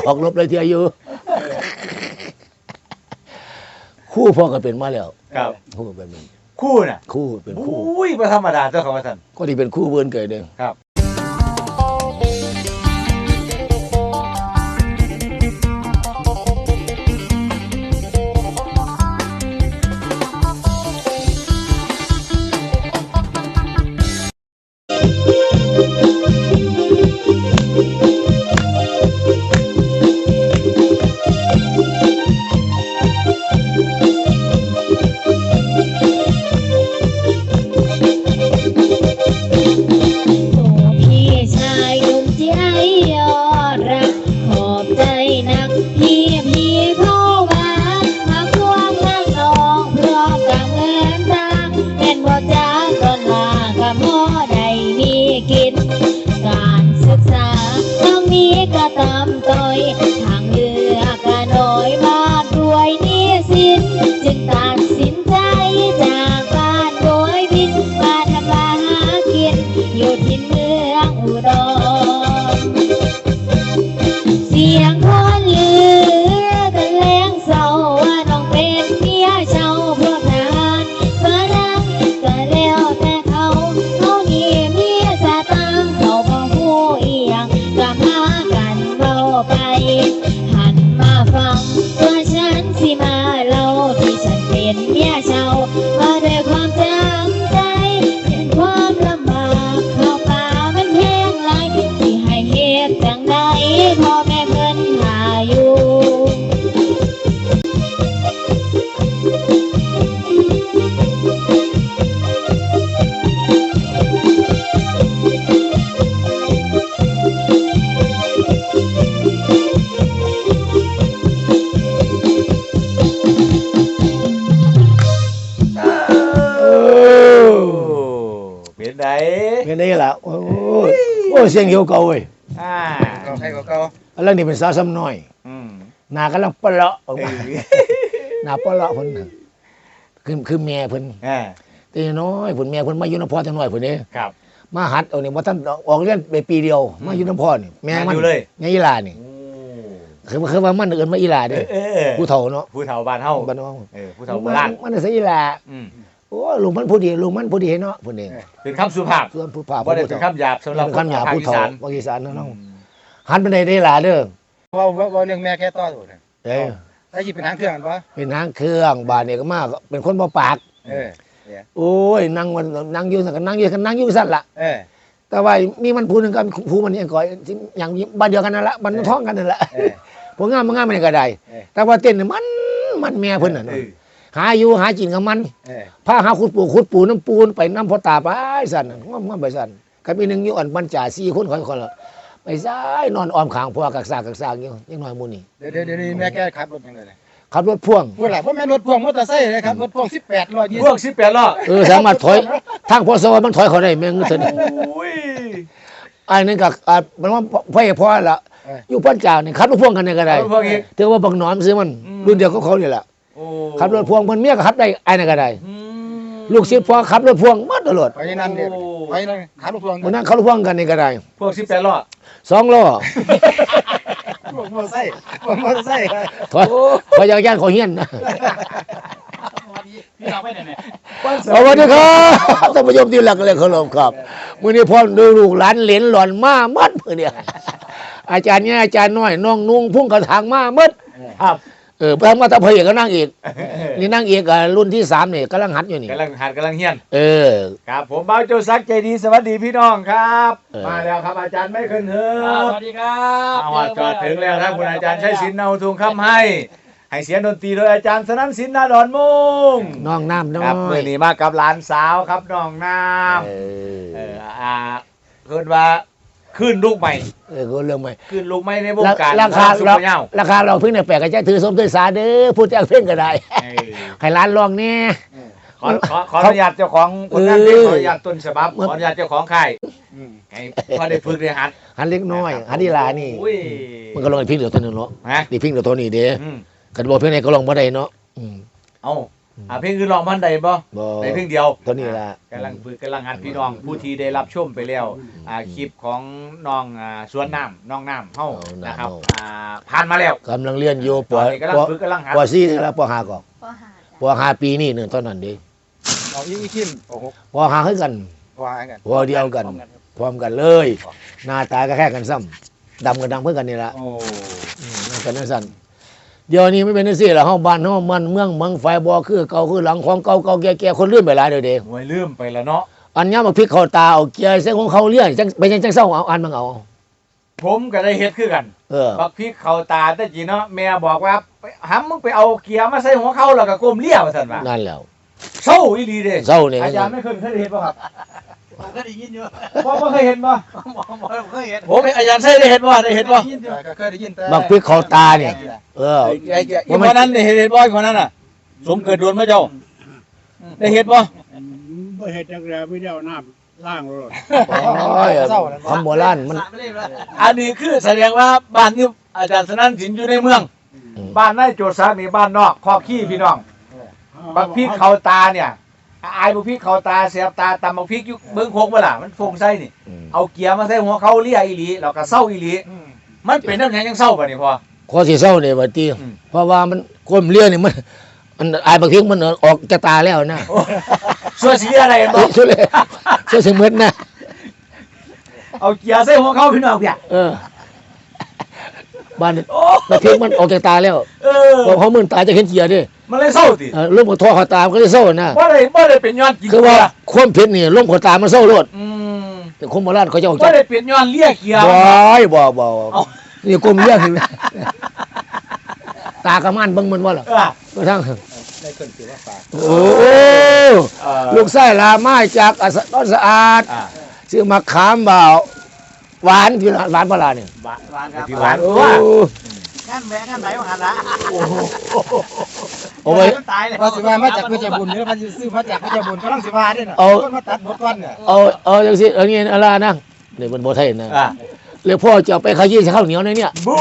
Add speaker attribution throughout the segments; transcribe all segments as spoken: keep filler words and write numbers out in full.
Speaker 1: ออกลบเลยเทียอยู่คู่พ่อก็เป็นมาแล้ว
Speaker 2: ครับ
Speaker 1: คู่เป็น
Speaker 2: คู่น่ะ
Speaker 1: คู่เป็นคู่
Speaker 2: อุ้ยบ่ธรรมดาเจ้าของว่าซั่น
Speaker 1: ก็ที่เป็นคู่เบิ่นเกิดเด้อ
Speaker 2: ครับ
Speaker 3: การศึกษาต้องมีกระตำต้อยทางเลือกก็น้อยมากด้วยหนี้สินจึงตัดสินใจจากบ้านโดยบินมาทำมาหากินอยู่ที่เมืองอุดรเสียงคนลือกันแรงเศร้าว่าน้องเป็นเมียเช่าพวกทหารมาดังก็แล้วแต่เขาเขามีเมียสตางค์เขาบ่ฮู้อีหยังก็พากันเว้าไปหันมาฟังว่าฉันสิมาเล่าที่ฉันเป็นเมียเช่ามาด้วยความจำใจเห็นความลำบากเข้าป่ามันแห้งไหลสิให้เฮ็ดจังใดพ่อแม่เพิ่นหาอยู่
Speaker 2: เป็นได
Speaker 1: เป็นได้ล่ะโอ้ยโอ้เสียงเหี่ยวเก่าเว้ย
Speaker 2: อ่า
Speaker 4: เก่าใช่เก่า
Speaker 1: อันนั้นนี่เป็นสาวซ้ำน้อย
Speaker 2: อืม
Speaker 1: หน้ากำลังปะเลาะออกมาหน้าปะเลาะเพิ่นคือคือแม่เพิ่น
Speaker 2: อ่า
Speaker 1: แต่น้อยเพิ่นแม่เพิ่นมาอยู่นำพ่อจังน้อยเพิ่นเด้
Speaker 2: ครับ
Speaker 1: มาหัดเอานี่บ่ทันออกเรียนไปปีเดียวมาอยู่นำพ่อนี่แม่มัน
Speaker 2: อยู่เลย
Speaker 1: แม่อีหลานี่คือคือว่ามันเอิ้นมาอีหลาเด้ผู้เฒ่าเนาะ
Speaker 2: ผู้เฒ่าบ้านเฮา
Speaker 1: บ้านเฮา
Speaker 2: เออผู้เฒ่าโบราณ
Speaker 1: มันสิอีหลา
Speaker 2: อืม
Speaker 1: โอ้ลุงมันผู้ดีลุงมันผู้ดีเนาะเพิ่นเอง
Speaker 2: เป็นคำสุภาพ
Speaker 1: ส่วนผู้ภาพ
Speaker 2: บ่ได้เป็นคำหยาบสำหรับ
Speaker 1: คนภาคอีสานภาคอีสานเนาะหันไปได้ได้หลาเด้อ
Speaker 4: ว่าว่าเรื่องแม่แค่ต่อถูกเลย
Speaker 1: เอ้
Speaker 4: ถ้าหยิบเป็นทางเครื่องกันปะ
Speaker 1: เป็นทางเครื่องบาดนี่ก็มาเป็นคนบ่ปาก
Speaker 4: เออ
Speaker 1: โอ้ยนั่งวันนั่งอยู่ซั่นก็นั่งอยู่กันนั่งอยู่ซั่นล่ะ
Speaker 4: เออ
Speaker 1: แต่ว่ามีมันผู้นึงก็ผู้มันนี่ก่อยอย่างบ้านเดียวกันนั่นล่ะบ้านท้องกันนั่นล่ะพวกงามงามมันก็ได้แต่ว่าเต้นมันมันแม่เพิ่นน่ะหาอยู่หากินกับมันพาหาขุดปูขุดปูน้ำปูนไปน้ำพ่อตาไปสั่นง่วงๆไปสั่นกับอีนึงอยู่อันบรรจ่าสี่คนคนละไปซ้ายนอนอ้อมข้างพ่อกักซากกักซากอยู่ยังน้อยหมู่นี่
Speaker 4: เดี๋ยวเดี๋ยวแม่แกขับรถยังไงเลย
Speaker 1: ขับรถพ่วง
Speaker 4: พูดหลายเพราะแม่รถพ่วงมอเตอร์ไซค์เลยครับรถพ่วงสิบแปดล้อยี่สิบ
Speaker 2: พ่วงสิบแปดล้อ
Speaker 1: เออสามารถถอยทางพอสวรรค์มันถอยเขาได้แม่งซั่น
Speaker 2: อุ้ย
Speaker 1: อันนึงก็มันว่าพ่อพ่อละอยู่พันจ่านี่ขับรถพ่วงกันได้ก็ได้ถือว่าบักหนอมซื้อมันรุ่นเดียวกับเขานี่แหละขับรถพ่วงมันเมียก็ขับได้ไอ้นั่นก็ได้ลูกศิษย์พ่อขับรถพ่วงมัดตลอด
Speaker 4: ไปนั่นเด็ดไปนั่นขับรถพ่วง
Speaker 1: มันนั่งขับรถพ่วงกันนี่ก็ได้
Speaker 2: พ่วงสิบแปดล้อ
Speaker 1: สองล้อ
Speaker 4: พ่วงมอเตอร์ไซค์พ่วงมอเตอร์ไซค์
Speaker 1: ถอยถอยย่านเขาเฮียนนะ
Speaker 4: พี่เราไปไหนเนี่ย
Speaker 1: สวัสดีครับท่านผู้ชมที่รักและเคารพครับมื้อนี้พ่อดูลูกหลานเหลนหล่อนมามัดมื้อนี้อาจารย์เนี่ยอาจารย์น้อยน้องนุ่งพุ่งกระถางมามัด
Speaker 2: ครับ
Speaker 1: เออพระมาตะเพยก็นั่งอีกนี่นั่งอีกรุ่นที่สามนี่กำลังหัดอยู่นี่
Speaker 2: กำลังหัดกำลังเฮียน
Speaker 1: เออ
Speaker 2: ครับผมบ่าวโจซักใจดีสวัสดีพี่น้องครับมาแล้วครับอาจารย์ไม่ขึ้นเถอะ
Speaker 4: สวัสดีครับ
Speaker 2: เอาจอดถึงแล้วครับคุณอาจารย์ใช้ศิลป์เนาทุงคำให้ให้เสียงดนตรีโดยอาจารย์สนั่นศิลป์นาดอนมุง
Speaker 1: น้องน้ำน้อย
Speaker 2: ครับเมื่อนี้มากับหลานสาวครับน้องน้ำเอออ่าเกิดว่าขึ้นลูกใหม่
Speaker 1: เออเรื่องใหม่
Speaker 2: ขึ้นลูกใหม่ในวงการ
Speaker 1: ราคาราคาเราเพิ่งเนี่ยแปลกก็จะถือสมถือสาเด้อพูดแจ้งเพ่งก็ได้ให้ร้านลองเนี่ย
Speaker 2: ขอขอขออนุญาตเจ้าของคนนั้นขออนุญาตต้นฉบับขออนุญาตเจ้าของค่ายให้พอได้ฝึกได้หัด
Speaker 1: หัดเล็กน้อยหัดดีลานี่มันก็ลองไอ้พิงเดี๋ยวตัวนึงเนาะดีพิงเดี๋ยวตัวนี้เด้กันบอกเพื่อนไหนก็ลองบ่ได้เนาะ
Speaker 2: เอ้าอ่าเพลงคือร้องมันใดบ่
Speaker 1: บ่
Speaker 2: ในเพลงเดียว
Speaker 1: ตัวนี้ล่ะ
Speaker 2: กำลังฝึกกำลังหัดพี่น้องผู้ที่ได้รับชมไปแล้วอ่าคลิปของน้องอ่าสวนน้ำน้องน้ำเฮานะครับอ่าผ่านมาแล้ว
Speaker 1: กำลังเรียนอยู่ป
Speaker 2: ตอนนี้กำลังฝึกกำลังหัด
Speaker 1: ปสี่นี่ละปห้าก็
Speaker 3: ก็หา
Speaker 1: ปห้าปีนี่หนึงเท่านั้นเด้
Speaker 4: เอาอีกอีกขึ้นโอ้โห
Speaker 1: ปห้าคือกัน
Speaker 4: วางกัน
Speaker 1: หัวเดียวกัน พร้อมกันเลย หน้าตาก็แค่กันซ้ำดำกันดำเพื่อกันนี่ละ
Speaker 2: โอ้
Speaker 1: อืมนั่นกันนั่นสั่นเดี๋ยวนี้ไม่เป็นจังซี่ละเฮาบ้านเฮามันเมืองเมืองไฟบ่คือเก่าคือหลังของเก่าเก่าแก่ๆคนลืมไปหลายเด้อเด้
Speaker 2: หวยลืมไปแล้วเนาะ
Speaker 1: อันยามมาพริกเข้าตาเอาเกียร์ใส่ของเขาเลี้ยงจังไปจังจังเศร้าเอาอันมังเอา
Speaker 2: ผมก็ได้เฮ็ดคือกัน
Speaker 1: เออ
Speaker 2: บักพริกเข้าตาแต่จีเนาะแม่บอกว่าไปหำมึงไปเอาเกียร์มาใส่หัวเขาแล้วก็ก้มเลี้ยว่าซั่นว่า
Speaker 1: นั่นแล้ว
Speaker 2: เศร้าอีหลีเด้
Speaker 1: เศร้านี่
Speaker 2: อาจารย์ไม่เคยเคยเห็นบ่ครับ
Speaker 4: ผมก็ได้ยินอยู่
Speaker 2: บ่บ่เคยเห็นบ่
Speaker 4: หมอหมอเคยเห็น
Speaker 2: ผมอาจารย์ใช่ได้เห็นบ่ได้เห็นบ่
Speaker 4: เคยได้ยินอยู่ก็เคยได้ยินแต่
Speaker 1: บักพริกเข้าตาเนี่ย เออ
Speaker 2: ไอ้ไอ้คนนั้นได้เห็นบ่คนนั้นน่ะ สมเกิดโดนมาเจ้าได้เห็นบ่
Speaker 5: บ่เฮ็ดจักแล้วไม่ได้เอาน้ำล้างรถ
Speaker 1: โอ้ยคำโบราณมัน
Speaker 2: อันนี้คือแสดงว่าบ้านนี้อาจารย์สนั่นสินอยู่ในเมือง
Speaker 1: อืม
Speaker 2: บ้านนายโจทย์ซักนี่บ้านนอกคอขี้พี่น้องบักพริกเข้าตาเนี่ยอายบักพริกเข้าตาเสียบตาตำบักพริกอยู่เบิ่งโคกบ่ล่ะมันฟงไส้นี่
Speaker 1: อืม
Speaker 2: เอาเกียร์มาใส่หัวเขาเลียอีหลีแล้วก็เศร้าอีหลีมันเป็นน้ำแข็งยังเศร้าป่ะนี่พอ
Speaker 1: ข้อสิเศร้าเนี่ยว่าติ
Speaker 2: อืม
Speaker 1: เพราะว่ามันก้มเลี้ยนี่มันมันอายบักพริกมันออกจากตาแล้วนะ
Speaker 2: ส่วนสีอะไรกัน
Speaker 1: เอ
Speaker 2: บ่
Speaker 1: อช่วยเลยช่วยสิเหมือนนะ
Speaker 2: เอาเกียร์ใส่หัวเขาพี่น้องเพีย
Speaker 1: เออบ้านนี่
Speaker 2: โอ้
Speaker 1: บักพริกมันออกจากตาแล้ว
Speaker 2: เออ
Speaker 1: พอเขามึนตาจะเห็นเกียร์ดิ
Speaker 2: มันเลยเศร้าติ
Speaker 1: เออร่มกับท่อเขาตามนก็เลยเศร้านะ
Speaker 2: บ่ได้บ่ได้เป็นย้อนกิน
Speaker 1: คือ
Speaker 2: เกี
Speaker 1: ว่าย
Speaker 2: ร์
Speaker 1: ความเผ็ดนี่ร่มเขาตามมันเศร้าโลด
Speaker 2: อืม
Speaker 1: แต่คนโบราณเขาจะออก
Speaker 2: บ่
Speaker 1: จาก
Speaker 2: ได้เป็นย้อนเลียเกียร์
Speaker 1: บ่อยบ่บ่
Speaker 2: เอา
Speaker 1: นี่กลมเลี้ยงเห็นไหมตากระมันเบิ่งมันว่าหรอ
Speaker 2: เออ
Speaker 1: ก็ทั้ง
Speaker 4: ได้คนถือว่าฝาก
Speaker 1: โอ้
Speaker 2: เออ
Speaker 1: ลูกไส้ลาไม้จากอัสดอนสะอาด
Speaker 2: อ่า
Speaker 1: ซื้อมาขามบ่าวหวานที่หวานปลาเนี่ย
Speaker 2: หวาน
Speaker 4: วางครับ
Speaker 2: ที่หวาน
Speaker 1: โอ้
Speaker 2: ว่า
Speaker 4: ขั้นแม่ขั้นไหนมาหันละ
Speaker 1: เอาไว้
Speaker 4: ตายเลยพอสิว่ามาจากพระเจ้าบุญหรือมาซื้อมาจากพระเจ้าบุญก็ต้องสิว่าด้วยน่ะ
Speaker 1: เอา
Speaker 4: คนมาตัดหมดวันเนี่ย
Speaker 1: เอาเอาจังสิเอางี้อะไรนะนี่มันบ่ไทยนะ
Speaker 2: อ่า
Speaker 1: เลยพ่อจะเอาไปขยี้ใส่ข้าวเหนียวในเนี่ย
Speaker 2: บู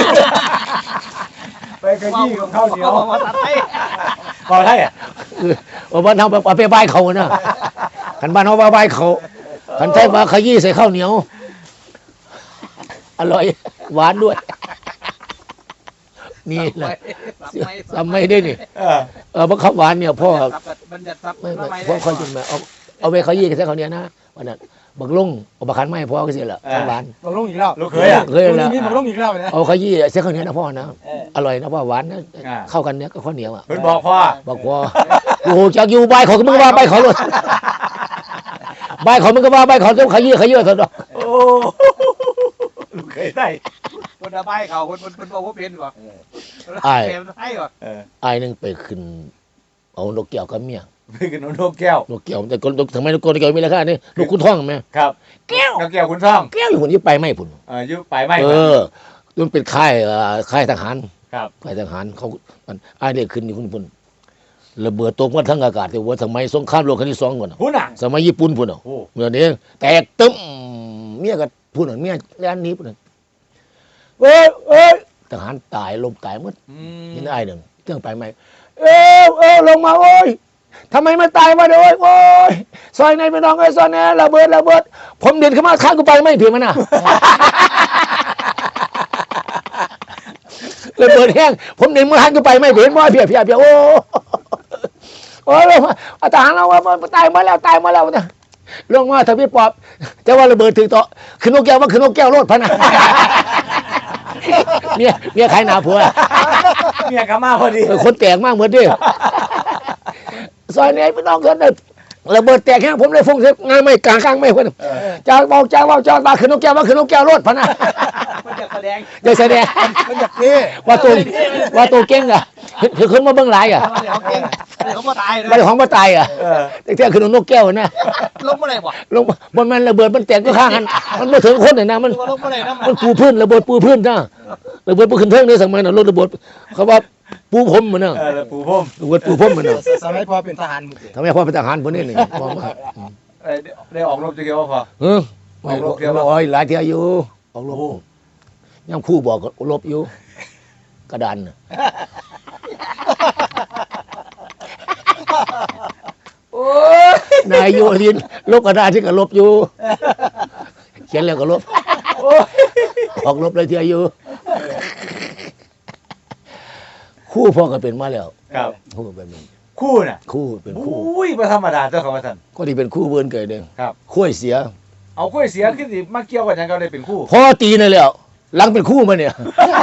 Speaker 2: ไปกระยี่ของข้าวเหนียว
Speaker 4: มาตัดให้
Speaker 2: พอได้อ่ะ
Speaker 1: เออเอาบ้านเฮาเอาไปบายเขานะคันบ้านเฮาว่าบายเขาคันไทยมาขยี้ใส่ข้าวเหนียวอร่อยหวานด้วย นี่แหละทำไม่ได้นี่
Speaker 2: เออ
Speaker 1: เออเพราะข้าวหวานเนี่ยพ่อ
Speaker 4: บัญญัติทรัพย์
Speaker 1: ไม่ไม่พ่อคอยกินมาเอาเอาไปขยี้ใส่ข้าวเหนียวนะวันนั้นบักลุงเอาบักขันไม่พ่อก็เสียละข้าวหวาน
Speaker 4: บังลงอีกแล้ว
Speaker 2: ลูกเคยอ่ะ
Speaker 1: เคยแล้ว
Speaker 4: นี่บังลงอีกแล้วนะ
Speaker 1: เอาขยี้ใส่ข้าวเหนียวนะพ่อนะอร่อยนะพ่อหวานนะ
Speaker 2: อ่า
Speaker 1: เข้ากันเนี่ยก็ข้าวเหนียวอ่ะ
Speaker 2: เพิ่นบอกพ่อ
Speaker 1: บอกพ่อโอ้โหจากอยู่ใบายเขาก็มึงว่าใบายเขาเลยใบายเขามึงก็ว่าใบายเขาต้องขยี้ขยี้เถอะ
Speaker 2: โอ้ลูกเคยได้
Speaker 4: คนระบายเขาคนคนคนบอกว่าเป็นกว่า
Speaker 1: ไอ้
Speaker 4: เป็นให้กว่า
Speaker 2: เออ
Speaker 1: ไอ้นึงไปขึ้นเอานกแก้วกับเมีย
Speaker 2: ไปกินนกแก้วน
Speaker 1: กแก้วแต่คนทำไมนกแก้วมีราคาเนี่ยนกคุณท่องไหม
Speaker 2: ครับ
Speaker 1: แก้ว
Speaker 2: นกแก้วคุณท่อง
Speaker 1: แก้วอยู่คนที่ไปไม่พุ่น
Speaker 2: เอออยุไปไม่
Speaker 1: เออมันเป็นค่ายเอ่อค่ายทหาร
Speaker 2: ครับ
Speaker 1: ค่ายทหารเขามันไอ้เด็กขึ้นอยู่คุณพุ่นระเบิดตกมาทั้งอากาศแต่ว่าสมัยสงครามโลกครั้งที่สองก่อนน่ะ
Speaker 2: หุ่นอ่ะ
Speaker 1: สมัยญี่ปุ่นพุ่นอ่ะ
Speaker 2: โอ้
Speaker 1: เมื่อนี้แตกตึ้มเมียก็พุ่นอ่ะเมียแล่นหนี้พุ่นอ่ะเอ้ยเอ้ยทหารตายลมตายหมด
Speaker 2: อืม
Speaker 1: เห็นไอ้หนึ่งเครื่องไปไหมเอ้ยเอ้ยลงมาโอ้ยทำไมไม่ตายมาเด้อโอ้ยซอยในพี่น้องไอ้ซอยแน่ระเบิดระเบิดผมเดินเข้ามาข้างกูไปไม่เพียงมันน่ะ ระเบิดแห้งผมเดินมาข้างกูไปไม่เห็นว่าเพียเพียเพียโอ้โอ้ยลงมาอาทหารเราว่าตายมาแล้วตายมาแล้วนะลงมาถ้าพี่ปอบแต่ว่าระเบิดถึงต่อขึ้นนกแก้วว่าขึ้นนกแก้วรถพะนะ เมียเมียขายหนาผัว
Speaker 2: เมียกลับมาพอดี
Speaker 1: เออคนแตกมากเหมือนเดิมซอยไหนพี่น้องกันเลยระเบิดแตกแค่ผมเลยฟุ้งเสียงานไม่กลางกลางไม่คนจ้าบอกจ้าว่าจ้ามาขึ้นนกแก้วว่าขึ้นนกแก้วรถพะนะ
Speaker 4: มันจะแสดง
Speaker 1: จะแสดง
Speaker 4: มันอยากเท่
Speaker 1: ว่าตัวว่าตัวเก่งอ่ะคือขึ้นมาเบื้องหลังอ่ะ
Speaker 4: มันเขาเก่งเขามาตายเลย
Speaker 1: ไม่ได้ของมาตายอ่ะ
Speaker 2: เออ
Speaker 1: แต่แท้ขึ้นนกแก้วนะ
Speaker 4: ลงมาเลยบ่
Speaker 1: ลงบนมันระเบิดมันแตกก็ข้างกันมันไม่ถึงคนเลยนะมัน
Speaker 4: ลงมาเลยนะ
Speaker 1: มันปูพื้นระเบิดปูพื้นนะระเบิดปูขึ้นเทิงเนี่ยสมัยนั้นรถระเบิดเขาว่าปูพรมมันนะ
Speaker 2: เออแล้วปู่พ่ม
Speaker 1: ระเบิดปูพรมมันนะ
Speaker 4: สมัยพอเป็นทหาร
Speaker 1: ทำไมพ่อเป็นทหารคนนี้นี่มองมา
Speaker 2: เอ้ยได้ออกรบจะเกี่ยวว่าพอ
Speaker 1: เออไม่ลบโอ้ยหลายเที่ยวอยู่ออกลบยังคู่บอกลบอยู่ กระดานน่ะนายโยลินลบกระดาษที่ก็ลบอยู่เขียนแล้วก็ลบออกลบเลยที่อายุคู่พ่อก็เป็นมาแล้ว
Speaker 2: ครับ
Speaker 1: คู่ก็เป็น
Speaker 2: คู่น่ะ
Speaker 1: คู่เป็นคู่
Speaker 2: อุ้ยบ่ธรรมดาเจ้าของว่าท่าน
Speaker 1: ก็ที่เป็นคู่เบิ้นเกิดเด้ง
Speaker 2: ครับ
Speaker 1: คุ้ยเสีย
Speaker 2: เอากล้วยเสียขึ้นสิมาเกี่ยวกันยังก็ได้เป็นคู่
Speaker 1: พ่อตีนั่นแล้วหลังเป็นคู่มาเนี่ย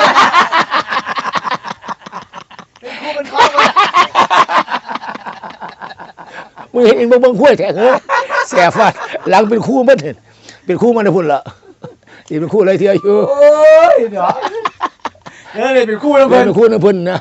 Speaker 4: คู่เป็นข้อเลย
Speaker 1: มึงเห็นเองบ่เบิ่งคุ้ยแท้เฮ้ยแสบฟาดหลังเป็นคู่มาเห็นเป็นคู่มาในพุ่นละที่เป็นคู่อะไรที่อายุ
Speaker 2: โอ้ยเดี๋ยวเดี๋ยวเลยเป็นคู่แล้ว
Speaker 1: เป็
Speaker 2: เพิ่น
Speaker 1: นคู่ในพุ่นนะ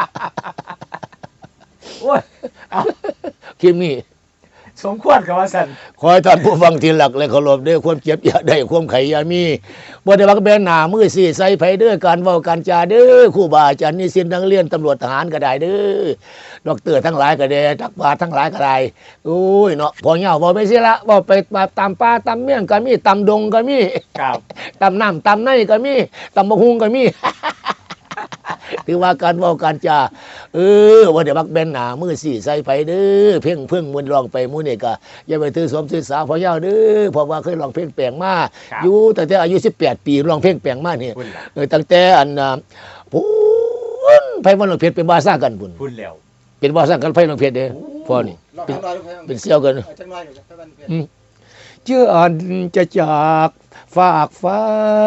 Speaker 2: โอ้ย
Speaker 1: คิมมี่
Speaker 2: สมควรกับว่าสัน
Speaker 1: ขอให้ท่านผู้ฟังที่หลักและเคารพด้วยความเจ็บอย่าได้ความไขอย่ามีบ่ได้ว่าแบนหน้ามือสี่ใส่ไผเด้อการเว้าการจาเด้อครูบาอาจารย์นิสิตนักเรียนตำรวจทหารก็ได้เด้อดอกเตอร์ทั้งหลายก็ได้นักปราชญ์ทั้งหลายก็ได้โอ้ยเนาะพอเหงาบ่ไปสิละบ่ไปตามป่าตามเมี่ยงก็มีตามดงก็มี
Speaker 2: ครับ
Speaker 1: ตามน้ำตามในก็มีตามบกฮุงก็มี ถือว่าการเว้าการจาเออว่าเดี๋ยวบักแบนหนามือสี่ใส่ไปเด้อเพ่งเพิ่งมวนร้องไปมูนี่ก็อย่าไปถือสมถือสาพอยาวเด้อเพราะว่าเคยร้องเพลงแปลงมาอยู่ตั้งแต่อายุสิบแปดปีร้องเพลงแปลงมานี่
Speaker 2: พุ่นล่ะ
Speaker 1: เออตั้งแต่อันน่ะพุ่นไผวันหลวงเพชรเป็นบาซ่ากันพุ่น
Speaker 2: พุ่นแล้ว
Speaker 1: เป็นบาซ่ากันไผหลวงเพชรเด้อพ่อนี่
Speaker 4: ลองทำลายลูก
Speaker 1: เป็นเสี่ยวกัน
Speaker 4: จังไรอยู่จังไรเพื่อน
Speaker 1: อืมเชื่ออันจะจากฝากฟ้า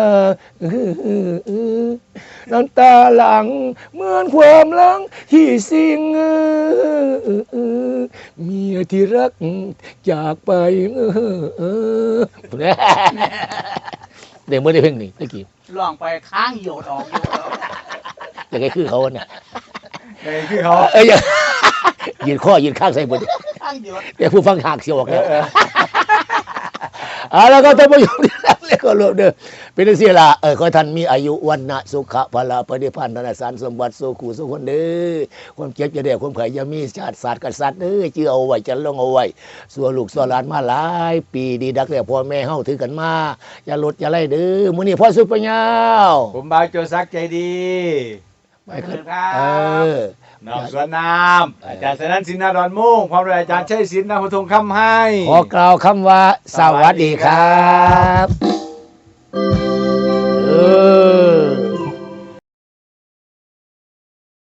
Speaker 1: น้ำตาหลังเหมือนความหลังที่สิ่งเมียที่รักจากไปเดี๋ยวเมื่อได้เพลงนี้ตะกี้
Speaker 6: ลองไปค้างโยดออกโยดออก
Speaker 1: อยากให้คือเขาน่ะ
Speaker 2: ไอ้คือเขา
Speaker 1: เอ้ยอย่ายืนข้อยืนข้างใส่บน
Speaker 6: ค้างโยด
Speaker 1: แต่ผู้ฟังหักเสียออก
Speaker 2: เอ
Speaker 1: แล้ว
Speaker 2: อเออ
Speaker 1: เอาแล้วก็ท่านผู้ชมที่รักและเคารพเด้อเป็นจังซี่ล่ะเออขอให้ท่านมีอายุวันนะสุขะพละปฏิภาณธนสารสมบัติสุขุสุขคนเด้อความเจ็บจะได้ความไข่อย่ามีชาติศาสตร์กษัตริย์เด้อชื่อเอาไว้จะลงเอาไว้สัวลูกสัวหลานมาหลายปีดีดักแล้วพ่อแม่เฮาถือกันมาอย่าลดอย่าไล่เด้อมื้อนี้พ่อสุดปัญญาว
Speaker 2: ผมบ่าวโจซักใจดี
Speaker 1: ไปขึ้น
Speaker 6: ครั
Speaker 1: เอบ อ
Speaker 2: น้องสวนน้ำอาจารย์สนันสินนาดอนมุ่งพร้อมด้วยอาจารย์ชัยศิลป์นาหุทงคำให้
Speaker 1: ขอกล่าวคำว่าสวัสดีครับ